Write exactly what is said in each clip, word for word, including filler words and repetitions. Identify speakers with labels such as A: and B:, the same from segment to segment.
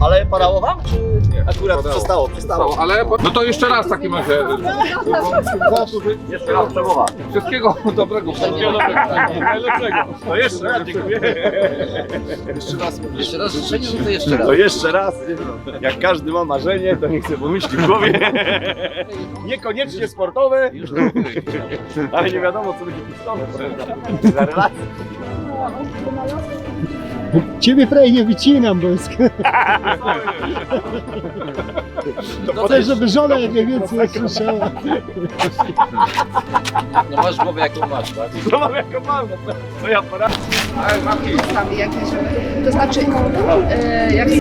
A: Ale padało wam, czy akurat
B: Padało.
A: przestało? Przestało.
B: Ale no to jeszcze raz w takim razie.
A: Jeszcze raz przemowa.
B: Wszystkiego dobrego. Wszystkiego dobrego. Najlepszego.
A: No jeszcze raz, dziękuję.
C: Jeszcze raz, jeszcze raz życzenie, no to jeszcze raz.
A: To jeszcze raz. Jak każdy ma marzenie, to niech sobie pomyśli w głowie. Niekoniecznie sportowe, ale nie wiadomo, co będzie pistolet za relacje.
D: Ciebie prawie nie wycinam, bo jest... Chcę, żeby żona jak najwięcej słyszała.
C: No masz głowę jaką masz, tak?
A: To mam jako mam, to ja poradzę.
E: Ustawy jakieś, to znaczy e, jak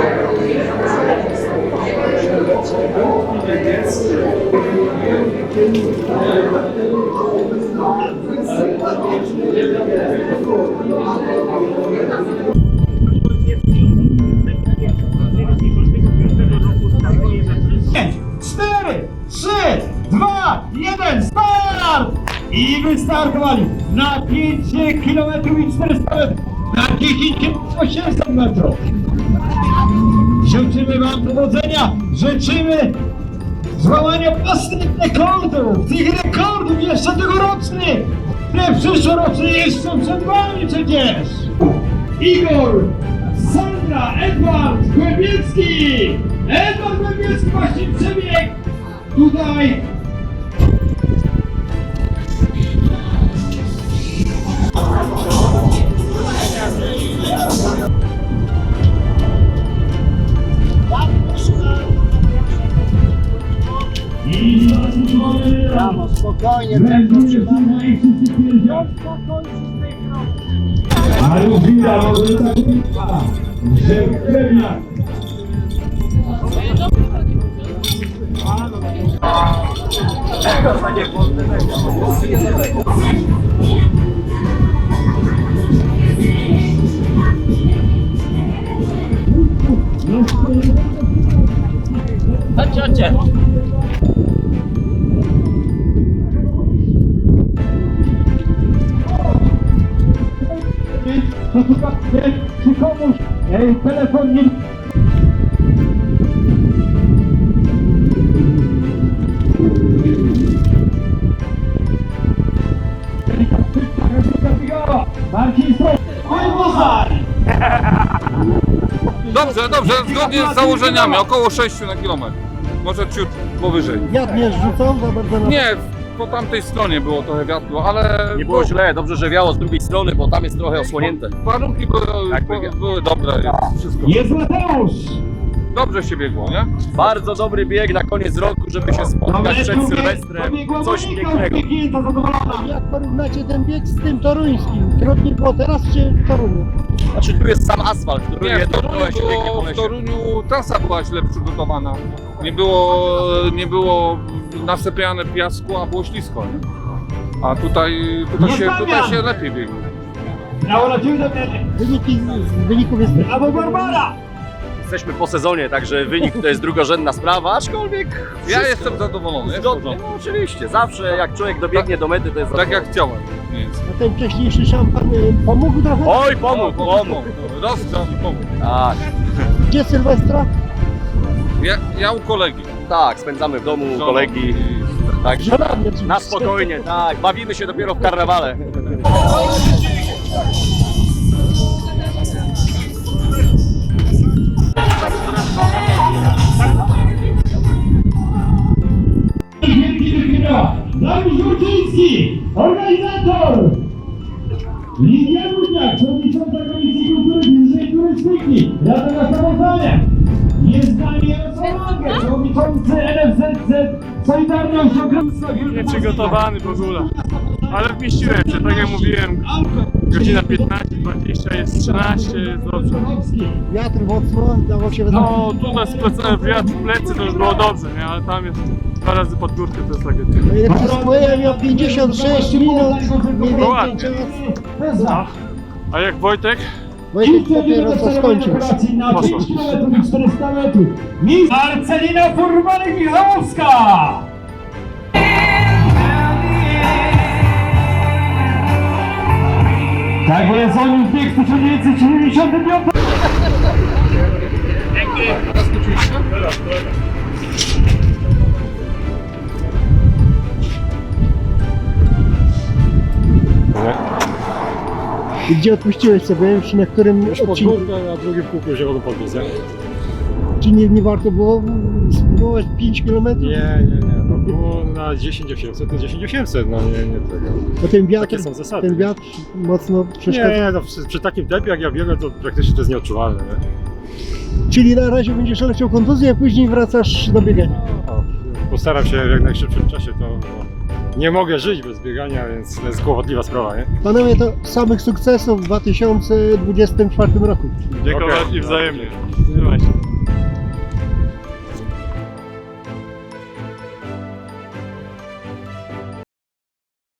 F: cztery, trzy, dwa, jeden, start! I wystartowali na pięć kilometrów i czterysta metrów, na dziesięć kilometrów osiemset metrów. Życzymy wam powodzenia, życzymy złamania własnych rekordów, tych rekordów jeszcze tegorocznych, które przyszłoroczne jeszcze przed wami przecież. Igor, Sandra, Edward Głębiecki! Edward Głębiecki właśnie przebiegł tutaj. I
D: Brawo, spokojnie,
F: a już widać, że tak wygląda, że pewniak.
A: Chodźcie, chodźcie.
F: Posłuchajcie, czy komuś e, telefon nie... Marcin Stop,
B: Dobrze, dobrze, zgodnie z założeniami, około sześciu na kilometr. Może ciut powyżej.
D: wiatr nie rzucą za bardzo na...
B: Nie, po tamtej stronie było trochę wiatru, ale
A: Nie było źle, dobrze, że wiało z drugiej strony, bo tam jest trochę osłonięte.
B: warunki były,
A: Jakby-
B: były dobre. Wszystko.
F: jest Mateusz!
B: Dobrze się biegło, nie?
A: Bardzo dobry bieg na koniec roku, żeby się spotkać przed Sylwestrem. Coś pięknego.
F: Klienta zadowolona.
D: Jak porównacie ten bieg z tym toruńskim? Trudniej było teraz czy w Toruniu?
A: Znaczy tu jest sam asfalt, który
B: Nie, w
A: jedno
B: Toruniu,
A: się pięknie
B: było,
A: po
B: w
A: lesie.
B: Toruniu trasa była źle przygotowana. Nie było, nie było nasypiane piasku, a było ślisko. Nie? A tutaj, tutaj,
F: Nie
B: się, tutaj
F: stawiam!
B: się lepiej biegło.
F: Brawo dla Ciebie, Damianie.
D: Wyniki z, z wyników jest...
F: Brawo Barbara!
A: Jesteśmy po sezonie, także wynik to jest drugorzędna sprawa, aczkolwiek
B: Ja
A: wszystko
B: jestem zadowolony. jest w
A: zgodnie.
B: porządku.
A: No oczywiście, zawsze jak człowiek dobiegnie do mety, to jest
B: Tak jak
A: zadowolony.
B: chciałem. Nic.
D: A ten wcześniejszy szampan y, pomógł trochę?
A: Oj, pomógł, pomógł.
B: Rozgrzał i pomógł.
A: Tak,
D: Gdzie Sylwestra?
B: Ja, ja u kolegi.
A: tak, spędzamy w domu u
B: Żoną
A: kolegi,
B: i-
A: także
D: Żonami oczywiście.
A: na spokojnie, tak, bawimy się dopiero w karnawale.
F: Wielki wygrywa Dariusz Wójciński, organizator! Lidia Ludniak, przewodnicząca Komisji Kultury Fizycznej i Turystyki, Rada Miasta Nieznani Jarosław, przewodniczący N F Z Z Solidarność Ogromstwa
G: Nieprzygotowany w ogóle, ale wmieściłem się, tak jak mówiłem, godzina piętnaście, dwadzieścia, jest trzynaście, jest dobrze.
D: Wiatr mocno, dało się
G: No tutaj z plecy, wiatr w plecy to już było dobrze, nie? Ale tam jest dwa razy pod górkę, to jest tragedia.
D: Najlepszy miał pięćdziesiąt sześć minut, mniej
G: No
D: więcej
G: ładnie.
D: czas.
G: A jak Wojtek?
D: Wojtek dopiero co skończył.
F: Na
G: Poszło.
F: pięć kilometrów i czterysta metrów. Mistrz Marcelina Furmanek-Michałowska! Tak jest, on już bieg w tysiąc dziewięćset siedemdziesiątym piątym.
B: Zaskoczyliście?
D: I gdzie odpuściłeś sobie, już na którym
H: Już pod
D: odcinku?
H: górkę, na drugim kółku się mogą podbiec, nie?
D: Czy nie, nie warto było spróbować pięć kilometrów?
H: Nie, nie, nie. No było na dziesięć osiemset, to dziesięć osiemset, no nie, nie tego.
D: Bo ten wiatr,
H: Takie są zasady.
D: ten wiatr mocno przeszkadza.
H: Nie, no przy, przy takim tempie jak ja biegam, to praktycznie to jest nieodczuwalne, nie?
D: Czyli na razie będziesz leciał kontuzję, a później wracasz do biegania.
H: No, postaram się w jak najszybszym czasie, to bo nie mogę żyć bez biegania, więc to jest kłopotliwa sprawa, nie?
D: Panowie, to samych sukcesów w dwa tysiące dwudziestym czwartym roku.
G: Dziękuję
H: Okej.
G: i wzajemnie. Trzymaj się.